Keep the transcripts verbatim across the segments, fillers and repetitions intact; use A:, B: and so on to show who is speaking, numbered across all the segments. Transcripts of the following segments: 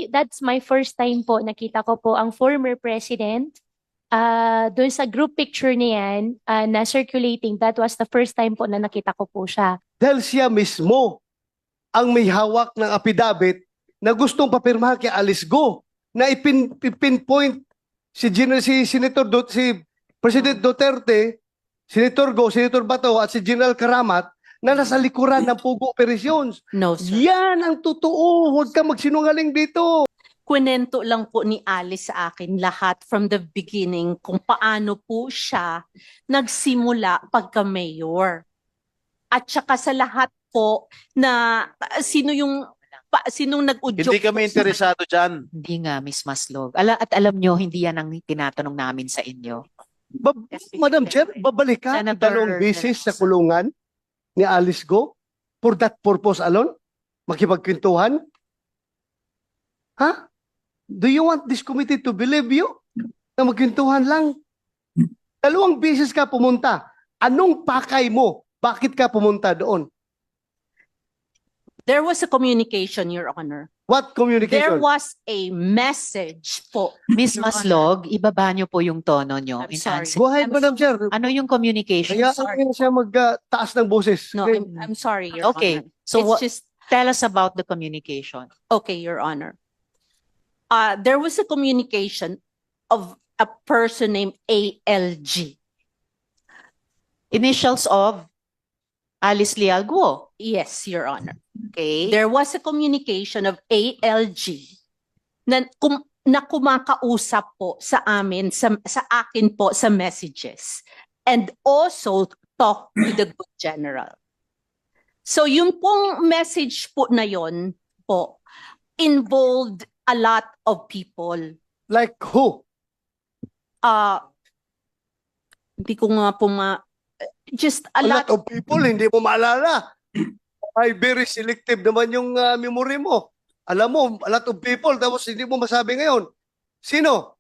A: that's my first time po. Nakita ko po ang former president. Uh, doon sa group picture niyan uh, na circulating, that was the first time po na nakita ko po siya.
B: Dahil siya mismo ang may hawak ng affidavit na gustong papirmahan kay Alice Go na ipin, ipinpoint si, Gen si Senator Do si President Duterte, Senator Go, Senator Bato at si General Karamat na nasa likuran ng Pugo Operations.
C: No, sir.
B: Yan ang totoo. Huwag ka magsinungaling dito.
C: Kwento lang po ni Alice sa akin lahat from the beginning kung paano po siya nagsimula pagka-mayor. At saka sa lahat po na uh, sino yung pa, sinong nag-udyok.
D: Hindi kami interesado dyan.
E: Hindi nga, Miss Maslog. Ala, at alam nyo, hindi yan ang tinatanong namin sa inyo.
B: Ba Madam Chair, babalik ka
E: Senator
B: dalawang beses sa
E: Verosa.
B: kulungan ni Alice Go for that purpose alone? Makipagkwentuhan? Ha? Do you want this committee to believe you? Na magkwentuhan lang? Dalawang beses ka pumunta. Anong pakay mo? Bakit ka pumunta doon?
C: There was a communication, Your Honor.
B: What communication?
C: There was a message po.
E: Miss
C: Your
E: Maslog, ibaba nyo po yung tono nyo.
C: I'm
E: in
C: sorry.
E: answer.
B: Go ahead,
C: I'm
B: Madam Chair.
E: Ano yung communication?
B: Kaya
C: sorry.
B: ano siya magtaas ng boses.
C: No,
B: Okay.
C: I'm, I'm sorry, Your
E: Okay,
C: Honor.
E: so
C: It's
E: what-
C: just,
E: Tell us about the communication.
C: okay, Your Honor. Uh, there was a communication of a person named A L G.
E: Initials of Alice Leal Guo.
C: Yes, Your Honor.
E: Okay.
C: There was a communication of A L G na, kum, na kumakausap po sa amin, sa, sa akin po sa messages. And also talk to the good general. So yung pong message po na yon po involved a lot of people.
B: Like who?
C: Uh, hindi ko nga po ma... Just a,
B: A lot
C: lot
B: of people, hindi mo maalala. Ay, very selective naman yung uh, memory mo. Alam mo, a lot of people, tapos hindi mo masabi ngayon. Sino?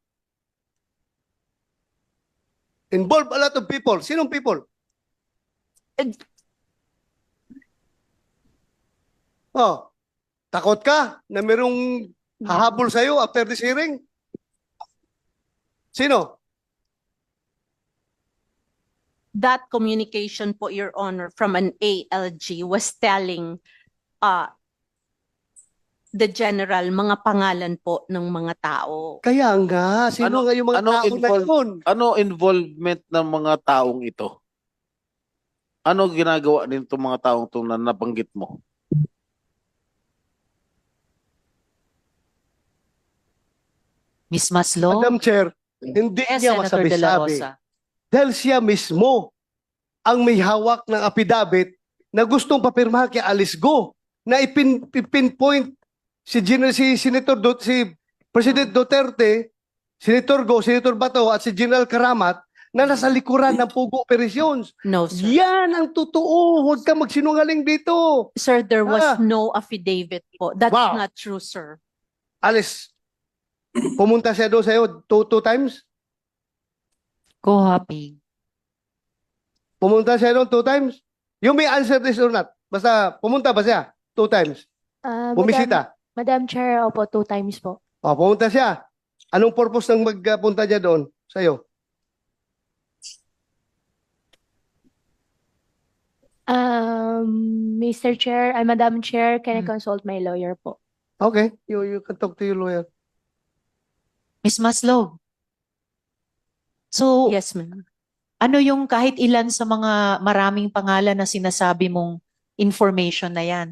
B: Involve a lot of people. Sinong people?
C: Eh,
B: Oh, takot ka na merong hahabol sa'yo after this hearing? Sino?
C: that communication po, Your Honor, from an A L G was telling uh, the general mga pangalan po ng mga tao.
B: Kaya nga, sino
D: Ano-
B: nga yung mga
D: ano
B: tao na
D: involve-
B: yun?
D: Ano involvement ng mga taong ito? Ano ginagawa din itong mga taong ito na nabanggit mo?
E: Miss Maslog.
B: Madam Chair, hindi
E: Yes,
B: niya
E: Senator De La
B: masabi-sabi.
E: Rosa.
B: Dahil siya mismo ang may hawak ng affidavit na gustong papirmahan kay Alice Go na ipin, ipinpoint si, Gen si Senator Do si President Duterte, Senator Go, Senator Bato at si General Karamat na nasa likuran ng Pugo Operations.
C: No, sir.
B: Yan ang totoo. Huwag ka magsinungaling dito.
C: Sir, there was
B: Ah.
C: no affidavit po. That's
B: Wow.
C: not true, sir.
B: Alice, pumunta siya doon sa'yo two, two times?
E: Go hopping.
B: Pumunta siya doon two times? You may answer this or not. Basta pumunta ba siya? Two times.
A: Uh,
B: Bumisita.
A: Madam, Madam Chair, opo, two times po.
B: O, pumunta siya. Anong purpose ng magpunta niya doon sa'yo?
A: Um, Mister Chair, uh, Madam Chair, can I
E: Hmm.
A: consult my lawyer po?
B: Okay, you, you can talk to your lawyer.
E: Miss Maslog. So,
C: Yes, ma'am.
E: ano yung kahit ilan sa mga maraming pangalan na sinasabi mong information na yan?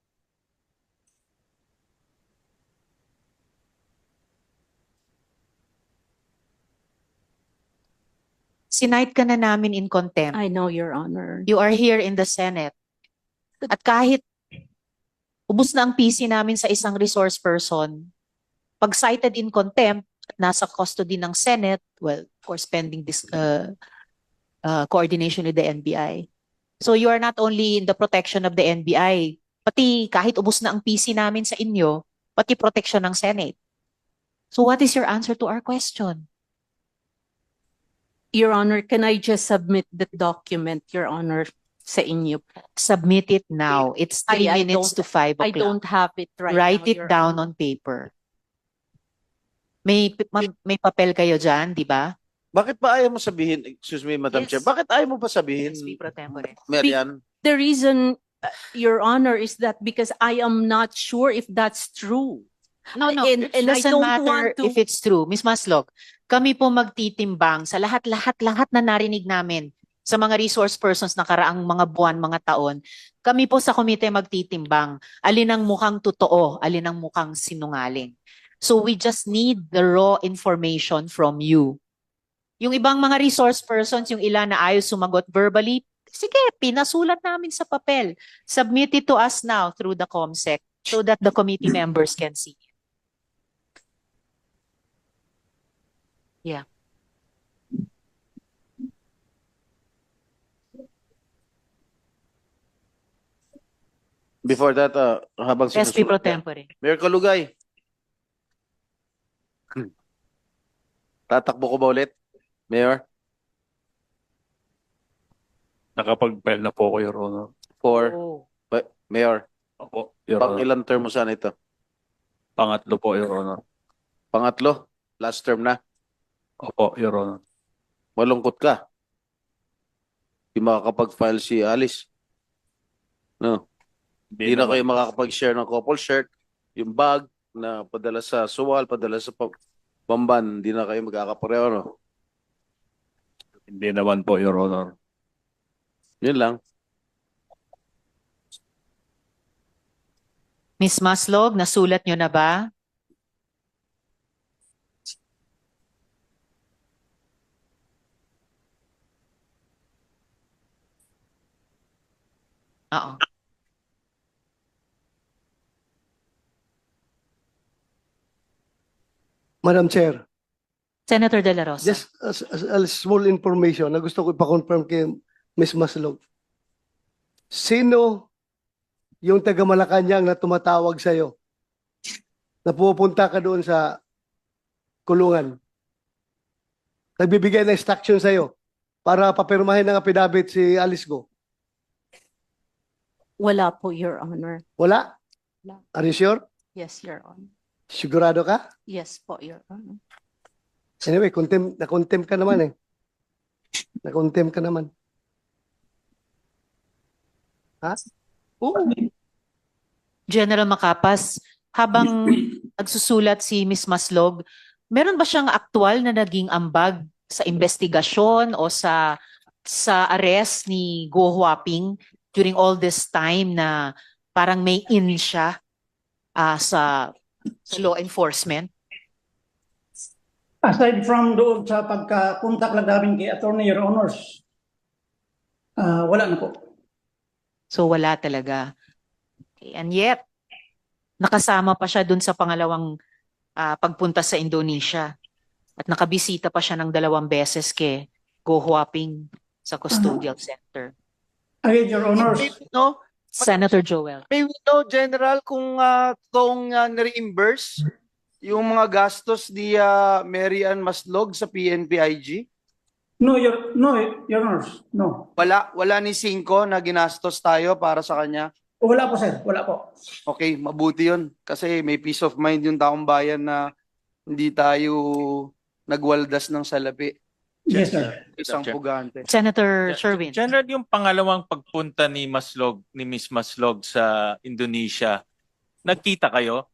E: Sinight ka na namin in contempt.
C: I know, Your Honor.
E: You are here in the Senate. At kahit ubus na ang P C namin sa isang resource person, pag cited in contempt at nasa custody ng Senate, well, of course, pending this uh, uh, coordination with the N B I. So you are not only in the protection of the N B I, pati kahit ubus na ang P C namin sa inyo, pati protection ng Senate. So what is your answer to our question?
C: Your Honor, can I just submit the document, Your Honor, sa inyo?
E: Submit it now. It's three
C: I- I
E: minutes
C: don't-
E: to five
C: I
E: o'clock.
C: don't have it right
E: Write
C: now,
E: it
C: Your
E: down
C: Honor.
E: on paper. May, ma- may papel kayo dyan, di ba?
D: Bakit ba ayaw mo sabihin, excuse me, Madam
E: Yes.
D: Chair, bakit ayaw mo pa sabihin,
E: S P Pro Tempore.
D: Marian?
C: The reason, uh, Your Honor, is that because I am not sure if that's true.
E: No, no,
C: And-
E: it
C: and I
E: doesn't
C: don't
E: matter
C: want to-
E: if it's true. Miss Maslog, kami po magtitimbang sa lahat-lahat-lahat na narinig namin sa mga resource persons na karaang mga buwan, mga taon. Kami po sa komite magtitimbang alin ang mukhang totoo, alin ang mukhang sinungaling. So we just need the raw information from you. Yung ibang mga resource persons, yung ilan na ayaw sumagot verbally, sige, pinasulat namin sa papel. Submit it to us now through the COMSEC so that the committee members can see. Yeah.
D: Before that, uh, habang
E: S P Pro
D: sinusulat ka,
E: Tempore.
D: Mayor Kalugay. Tatakbo ko ba ulit? Mayor?
F: Nakapag-file na po ako, Your Honor.
D: For,
E: Oh.
D: ba- Mayor,
F: Opo, Your
D: pang
F: Honor.
D: ilang term mo saan ito?
F: Pangatlo po, Your Honor.
D: Pangatlo? Last term na?
F: Opo, Your Honor.
D: Malungkot ka. Di makakapag-file si Alice. No. Di na
F: naman-
D: kayo makakapag-share ng couple shirt, yung bag na padala sa suwal, padala sa pa- Bamban, di na kayo magkakapareho, no?
F: Hindi naman po, Your Honor.
D: Yun lang.
E: Miss Maslog, nasulat nyo na ba? Oo.
B: Madam Chair,
E: Senator De La Rosa.
B: just as, as a small information na gusto ko ipa-confirm kay Miz Maslog. Sino yung taga Malacanang na tumatawag sa'yo? Na pupunta ka doon sa kulungan? Nagbibigay ng instruction sa'yo para papirmahin ng affidavit si Alice Go?
C: Wala po, Your Honor.
B: Wala?
C: Wala.
B: Are you sure?
C: Yes, Your Honor.
B: Sigurado ka?
C: Yes po, Your Honor.
B: Anyway, contem, na-contem ka naman eh. Na-contem ka naman. Ha? Oo.
E: General Macapas, habang nagsusulat si Miss Maslog, meron ba siyang aktual na naging ambag sa investigasyon o sa sa arrest ni Go Huaping during all this time na parang may in siya ah, sa, sa law enforcement?
G: Aside from doon sa pagka-contact lang namin kay Attorney, Your Honors, ah, wala na po.
E: So wala talaga. Okay, and yet, nakasama pa siya dun sa pangalawang ah, pagpunta sa Indonesia. At nakabisita pa siya ng dalawang beses kay Go Huaping sa custodial center.
G: Again, Your Honors,
H: No,
E: Senator Joel.
H: may we know, General, kung uh, kung uh, na-reimburse yung mga gastos ni uh, Mary Ann Maslog sa P N P I G?
G: no, Your, no, Your Honors, no.
H: Wala, wala ni Cinco na ginastos tayo para sa kanya?
G: Wala po, sir. Wala po.
H: Okay, mabuti yun. Kasi may peace of mind yung taong bayan na hindi tayo nagwaldas ng salapi.
G: Yes, sir.
H: Isang
F: Chair.
H: pugante.
E: Senator
F: Gen-
E: Sherwin.
F: General, yung pangalawang pagpunta ni Maslog, ni Miss Maslog sa Indonesia, nagkita kayo?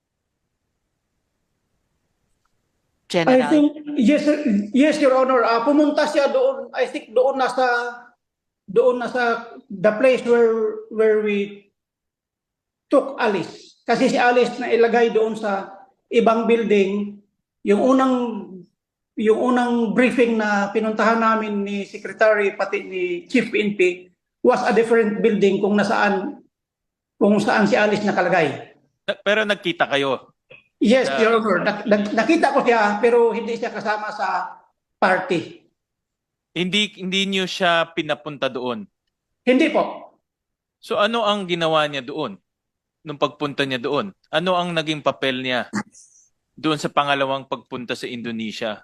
G: I
E: General.
G: think, yes, sir. Yes, Your Honor. Ah, pumunta siya doon, I think doon nasa, doon nasa the place where, where we took Alice. Kasi si Alice na ilagay doon sa ibang building, yung unang yung unang briefing na pinuntahan namin ni Secretary pati ni Chief P N P was a different building kung nasaan kung saan si Alice nakalagay.
F: Na- Pero nagkita kayo?
G: Yes,
F: Ah.
G: Your Honor. Nak- nak- nakita ko siya pero hindi siya kasama sa party.
F: Hindi hindi niyo siya pinapunta doon.
G: Hindi po.
F: So ano ang ginawa niya doon? Nung pagpunta niya doon? Ano ang naging papel niya doon sa pangalawang pagpunta sa Indonesia?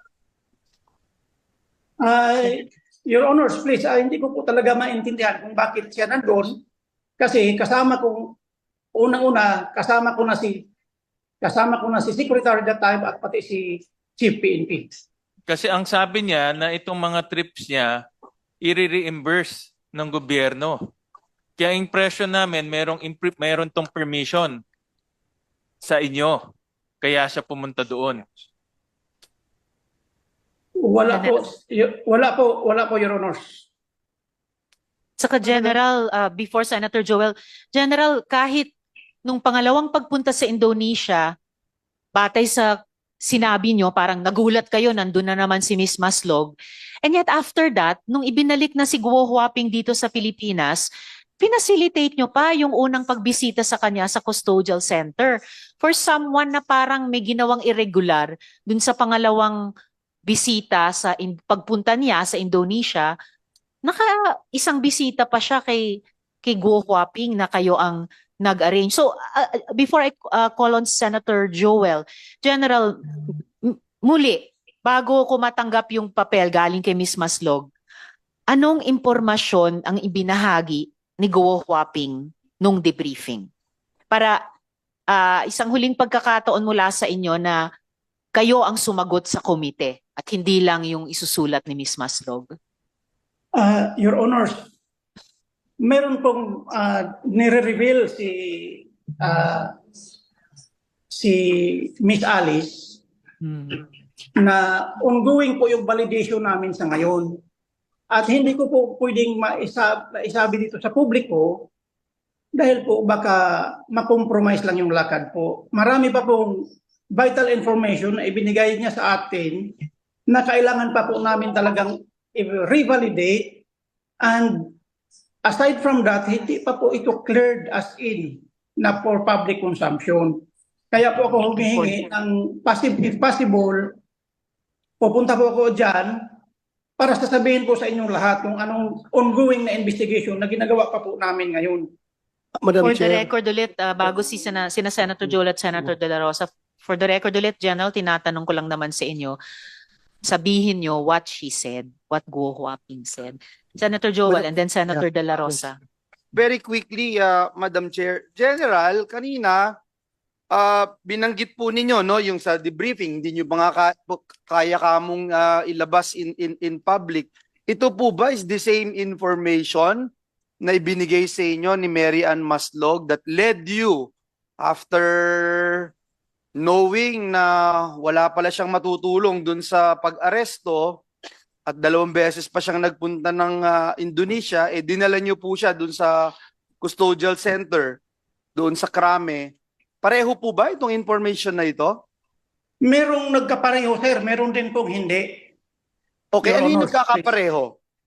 G: Ay, Your Honors, please, ah, hindi ko po talaga maintindihan kung bakit siya nandoon. Kasi kasama kong, unang-una, kasama ko na si Kasama ko na si Secretary that time at pati si Chief P N P.
F: Kasi ang sabi niya na itong mga trips niya, i-reimburse ng gobyerno. Kaya impression namin, merong, impre- meron tong permission sa inyo. Kaya siya pumunta doon.
G: Wala po, y- wala po, wala po, Your Honors.
E: Saka General, uh, before Senator Joel, General, kahit nung pangalawang pagpunta sa Indonesia, batay sa sinabi nyo, parang nagulat kayo, nandun na naman si Miss Maslog. And yet after that, nung ibinalik na si Guo Huaping dito sa Pilipinas, pinacilitate nyo pa yung unang pagbisita sa kanya sa custodial center. For someone na parang may ginawang irregular dun sa pangalawang bisita sa in, pagpunta niya sa Indonesia, naka isang bisita pa siya kay kay Guo Huaping na kayo ang nag-arrange. So uh, before I uh, call on Senator Joel, General, m- muli, bago ko matanggap yung papel galing kay Miss Maslog, anong impormasyon ang ibinahagi ni Guo Huaping nung debriefing? Para uh, isang huling pagkakataon mula sa inyo na kayo ang sumagot sa komite at hindi lang yung isusulat ni Miss Maslog.
G: Uh, Your Honors, meron pong uh, nire-reveal si uh, si Miss Alice
E: Hmm.
G: na ongoing po yung validation namin sa ngayon. At hindi ko po pwedeng maisa, maisabi dito sa publiko dahil po baka makompromise lang yung lakad po. Marami pa pong vital information na ibinigay niya sa atin na kailangan pa po namin talagang i-revalidate, and aside from that, hindi pa po ito cleared as in na for public consumption. Kaya po ako humihingi ng possible, if possible, pupunta po ako dyan para sasabihin po sa inyong lahat kung anong ongoing na investigation na ginagawa pa po namin ngayon.
B: Madam
E: For the
B: Chair.
E: record ulit, uh, bago si sina, sina Senator Joel at Senator De La Rosa, for the record ulit, General, tinatanong ko lang naman sa inyo, sabihin nyo what she said, what Guo Huaping said. Senator Joel and then Senator De La Rosa.
H: Very quickly, uh, Madam Chair. General, kanina, uh, binanggit po ninyo, no, yung sa debriefing, hindi nyo ba nga ka- kaya kamong uh, ilabas in, in, in public. Ito po ba is the same information na ibinigay sa inyo ni Mary Ann Maslog that led you after knowing na wala pala siyang matutulong dun sa pag-aresto at dalawang beses pa siyang nagpunta ng uh, Indonesia, eh dinala niyo po siya dun sa custodial center, doon sa Krame. Pareho po ba itong information na ito?
G: Merong nagkapareho, sir. Meron din pong hindi.
H: Okay,
G: Your
H: ano yung
G: Honor,
H: nagkakapareho?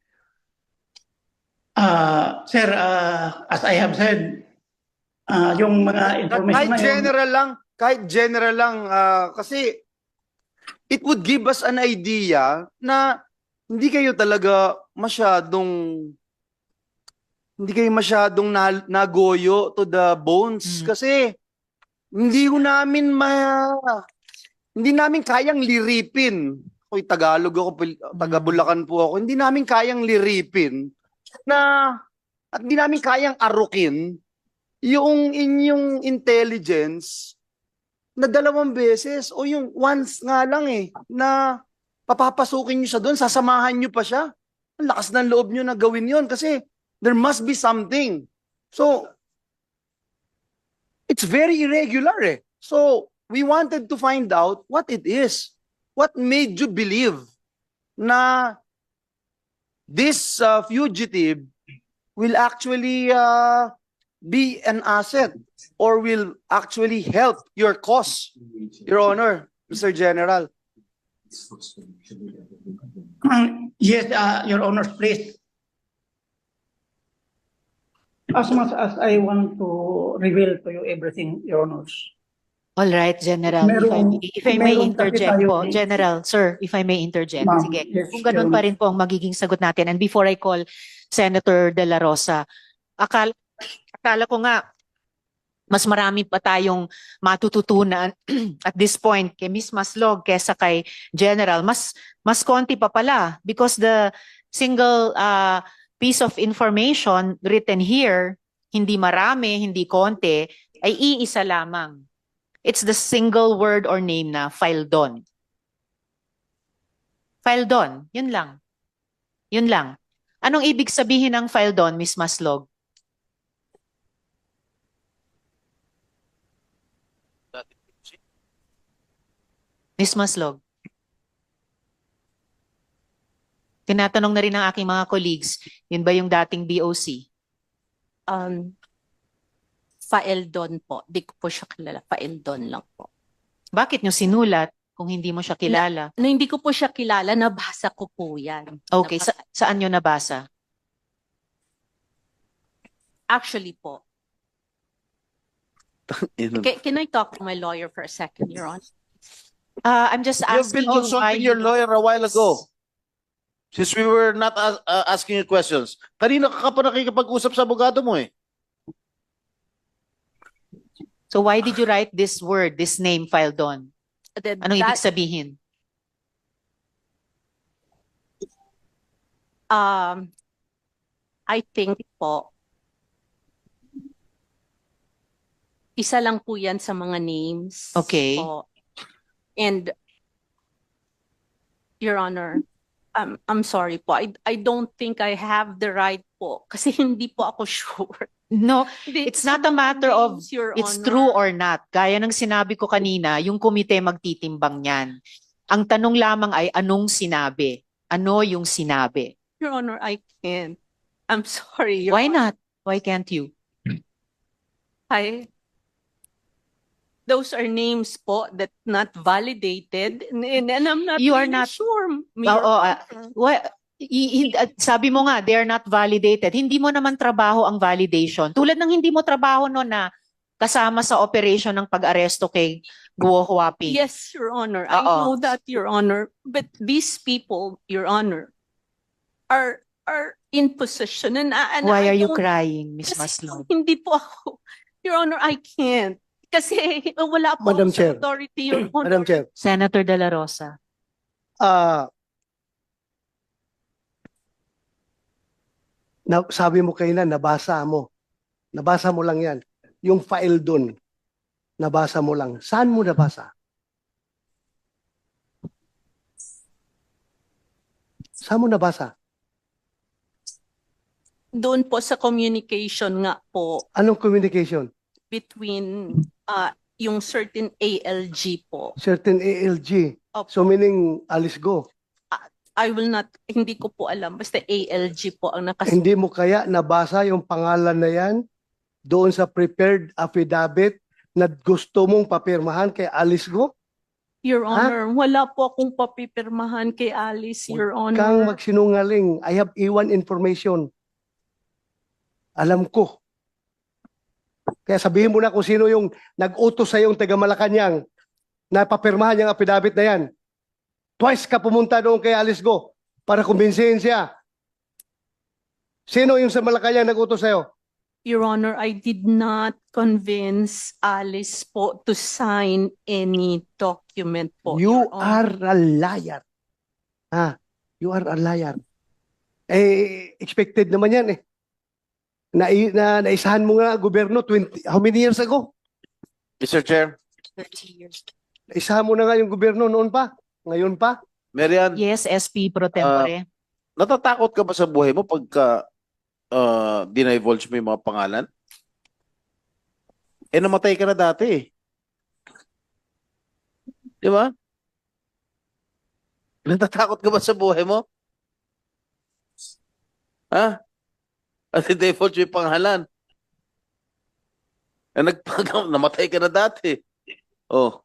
G: Uh, sir, uh, as I have said, uh, yung mga information
H: Kahit
G: na yun,
H: general lang, kahit general lang, ah, kasi it would give us an idea na hindi kayo talaga masyadong hindi kayo masyadong na, nagoyo to the bones
E: Mm.
H: kasi hindi ko namin ma hindi namin kayang liripin. Oy, Tagalog ako, Pil- taga Bulacan po ako. Hindi namin kayang liripin na at hindi namin kayang arukin yung inyong intelligence na dalawang beses o yung once nga lang eh na papapasukin nyo siya doon, sasamahan nyo pa siya. Ang lakas ng loob nyo na gawin yon kasi there must be something. So, it's very irregular eh. So, we wanted to find out what it is. What made you believe na this uh, fugitive will actually uh, be an asset or will actually help your cause, Your Honor, Mister General?
G: yes, uh, Your Honor, please. As much as I want to reveal to you everything, Your Honors.
E: All right, General. If I,
G: Merong-
E: may- if I may
G: meron kasi
E: interject
G: tayo
E: po,
G: ni-
E: General, sir, if I may interject.
G: Ma'am,
E: Sige,
G: yes,
E: kung ganun
G: Your
E: pa rin po ang magiging sagot natin. And before I call Senator De La Rosa, akala, akala ko nga, mas marami pa tayong matututunan at this point kay Miss Maslog kesa kay General. Mas, mas konti pa pala because the single uh, piece of information written here, hindi marami, hindi konti, ay iisa lamang. It's the single word or name na Faildon. Faildon, yun lang. Yun lang. Anong ibig sabihin ng Faildon, Miss Maslog? Miss Maslog. Tinatanong na rin ng aking mga colleagues, yun ba yung dating B O C?
C: Um, Faeldon po. Di ko po siya kilala. Faeldon lang po.
E: Bakit nyo sinulat kung hindi mo siya kilala?
C: Na hindi ko po siya kilala, nabasa ko po yan.
E: Okay,
C: Nabasa-
E: sa, saan nyo nabasa?
C: Actually po.
D: Yun.
C: Can, can I talk to my lawyer for a second, Your Honor?
E: Uh, I'm just
D: You've
E: asking
D: been
E: you why
D: consulting your
E: you-
D: lawyer a while ago. Since we were not as- uh, asking you questions. Kanina ka pa nakikipag-usap sa abogado mo eh.
E: So why did you write this word, this name, Faildon?
C: That-
E: Anong ibig
C: that-
E: sabihin?
C: Um, I think po, isa lang po yan sa mga names.
E: Okay.
C: Po. And, Your Honor, um, I'm sorry po. I, I don't think I have the right po. Kasi hindi po ako sure.
E: No,
C: Hindi,
E: it's not a matter of
C: names, Your
E: it's
C: Honor.
E: true or not. Gaya ng sinabi ko kanina, yung komite magtitimbang niyan. Ang tanong lamang ay anong sinabi? Ano yung sinabi?
C: Your Honor, I can't. I'm sorry, Your
E: Why
C: Honor.
E: not? Why can't you?
C: I, those are names po that not validated and, and, and I'm not
E: You are
C: really
E: not-
C: sure. Your
E: Oo, ah,
C: Honor.
E: Well, i- i- at sabi mo nga, they are not validated. Hindi mo naman trabaho ang validation. Tulad ng hindi mo trabaho no na kasama sa operation ng pag-aresto kay Guo Huaping.
C: Yes, Your Honor. I
E: Oo.
C: know that, Your Honor. But these people, Your Honor, are are in position and, I- and
E: Why
C: I
E: are you
C: don't-
E: crying, Miss
C: kasi
E: Maslog?
C: hindi po ako. Your Honor, I can't. Kasi wala po
B: Madam
C: ako sa
B: Chair.
C: authority, Your Honor.
B: Madam Chair,
E: Senator De La Rosa.
B: ah na, sabi mo kayo na, nabasa mo. Nabasa mo lang yan. Yung file dun, nabasa mo lang. Saan mo nabasa? Saan mo nabasa?
C: Doon po sa communication nga po
B: Anong communication?
C: between uh, yung certain A L G po.
B: Certain A L G.
C: Opo.
B: So meaning, Alice Go.
C: I will not, hindi ko po alam. Basta A L G po ang nakas...
B: Hindi mo kaya nabasa yung pangalan na yan doon sa prepared affidavit na gusto mong papirmahan kay Alice Go?
C: Your
B: Ha?
C: Honor, wala po akong papipirmahan kay Alice, Your
B: Kang
C: Honor.
B: magsinungaling. I have A one information. Alam ko. Kaya sabihin mo na kung sino yung nag-utos sa yung taga Malacanang na papirmahan yung affidavit na yan. Twice ka pumunta doon kay Alice Go para kumbinsihin siya. Sino yung sa Malacanang nag-utos sa'yo?
C: Your Honor, I did not convince Alice po to sign any document po.
B: You
C: Your Honor.
B: are a liar. Ha? You are a liar. Eh, expected naman yan eh. Na, na, naisahan mo nga gobyerno twenty, how many years ago?
D: Mister Chair,
C: thirty years.
B: Naisahan mo na nga yung gobyerno noon pa. Ngayon pa.
D: Marian,
E: Yes, S P pro tempore.
D: natatakot ka ba sa buhay mo pagka uh, dinivulge mo yung mga pangalan? Eh, namatay ka na dati eh. Di ba? Natatakot ka ba sa buhay mo? Ha? At dinivulge mo yung pangalan. Eh, nagpag- namatay ka na dati. Oh.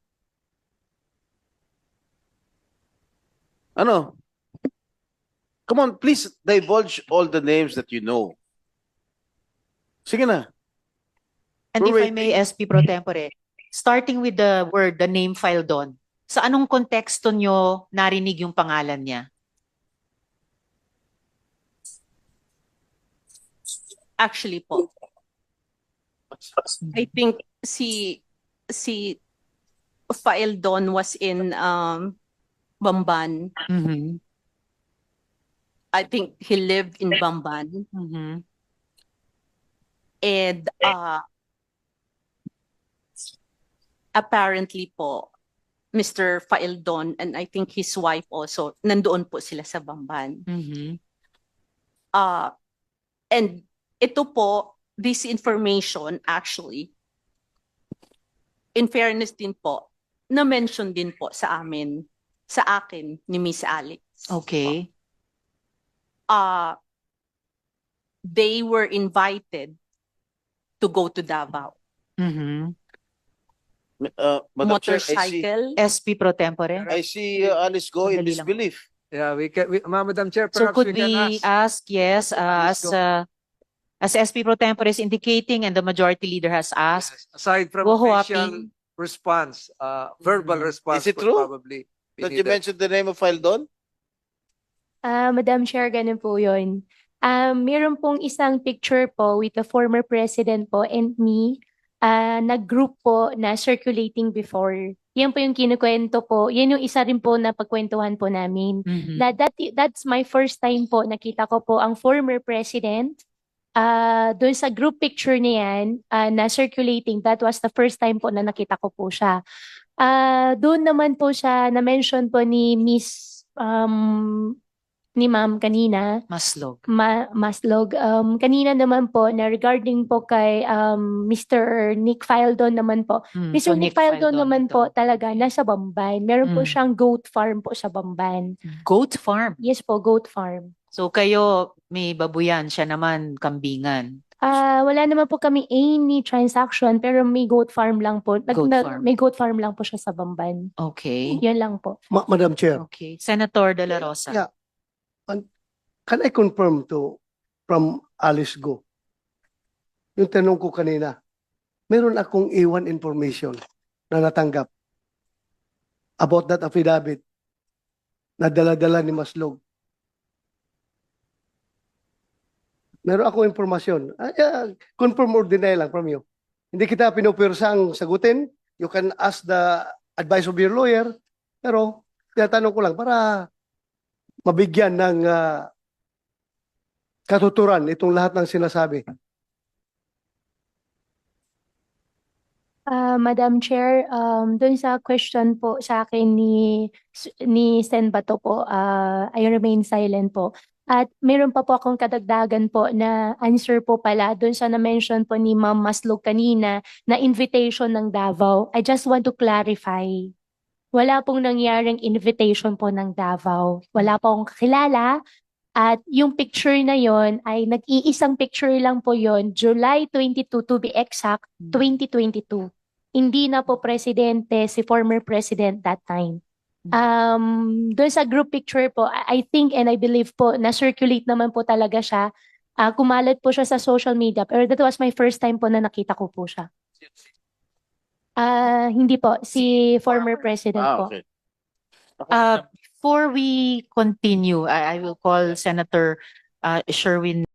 D: Ano? Come on, please divulge all the names that you know. Sige na.
E: And
D: We're
E: if I may, S P pro tempore, starting with the word, the name file doon, sa anong konteksto nyo narinig yung pangalan niya?
C: Actually po, I think si si Fael Don was in um Bamban.
E: Mhm.
C: I think he lived in Bamban.
E: Mhm.
C: And uh apparently po, Mister Faeldon and I think his wife also, nandoon po sila sa Bamban.
E: Mhm.
C: Uh, and ito po, this information actually, in fairness din po, na-mention din po sa amin, sa akin ni Miss Alex.
E: Okay.
C: Uh, they were invited to go to Davao.
E: Mhm.
D: Uh, Madam Chair, I see,
C: Motorcycle.
E: S P pro tempore.
D: I see uh, Alice Go in
E: Sandali lang.
D: disbelief.
I: Yeah, we can, we, Ma- Madam Chair,
E: So
I: perhaps
E: could
I: we can
E: we
I: ask.
E: ask, yes, uh, as
I: Let's go.
E: uh, as S P pro tempore is indicating and the majority leader has asked,
I: Yes, aside from
E: Go
I: official
E: Huaping.
I: response, uh, verbal
E: Mhm.
I: response
D: Is it
I: would
D: true
I: probably be
D: That you
I: needed.
D: mentioned the name of Faeldon?
A: Ah, Madam Chair, ganun po yun. Um, meron pong isang picture po with the former president po and me, ah, nag-group po na circulating before. Yan po yung kinukwento po. Yan yung isa rin po na pagkwentuhan po namin.
E: Mhm.
A: Na that, that's my first time po nakita ko po ang former president. Ah, doon sa group picture niyan ah, na circulating, that was the first time po na nakita ko po siya. Ah, doon naman po siya na-mention po ni Miss um, ni Ma'am kanina,
E: Maslog.
A: Ma Maslog. Um, kanina naman po na regarding po kay um, Mister Nick Faeldon naman po.
E: Mm,
A: Mister
E: so
A: Nick
E: Nick
A: Faeldon
E: Faeldon
A: naman
E: ito.
A: po talaga nasa Bamban. Meron po
E: Mm.
A: siyang goat farm po sa Bamban.
E: Goat farm.
A: Yes po, goat farm.
E: So kayo may babuyan, siya naman kambingan.
A: Ah, wala naman po kami any transaction pero may goat farm lang po. Nag-
E: Goat
A: na-
E: farm.
A: May goat farm lang po siya sa Bamban.
E: Okay.
A: Yan lang po.
B: Ma- Madam Chair,
E: Okay. Senator De La Rosa.
B: Yeah. can I confirm to from Alice Go? Yung tanong ko kanina, meron akong iwan information na natanggap about that affidavit na dala-dala ni Maslog. Meron akong informasyon. Ah, yeah, confirm or deny lang from you. Hindi kita pinupirsang sagutin. You can ask the advice of your lawyer. Pero, tinatanong ko lang para mabigyan ng ah, katuturan itong lahat ng sinasabi.
A: Ah, Madam Chair, um, dun sa question po sa akin ni ni Sen Bato po, ah, I remain silent po. At meron pa po akong kadagdagan po na answer po pala dun sa na-mention po ni Ma'am Maslog kanina na invitation ng Davao. I just want to clarify. Wala pong nangyaring invitation po ng Davao. Wala pong kakilala. At yung picture na yon ay nag-iisang picture lang po yon, July twenty-two to be exact, twenty twenty-two. Hindi na po presidente si former president that time. Um, doon sa group picture po, I I think and I believe po na circulate naman po talaga siya. Ah, kumalat po siya sa social media pero that was my first time po na nakita ko po siya. Ah, hindi po si former president
D: Ah,
A: po.
D: okay.
E: Uh, before we continue, I, I will call Senator uh, Sherwin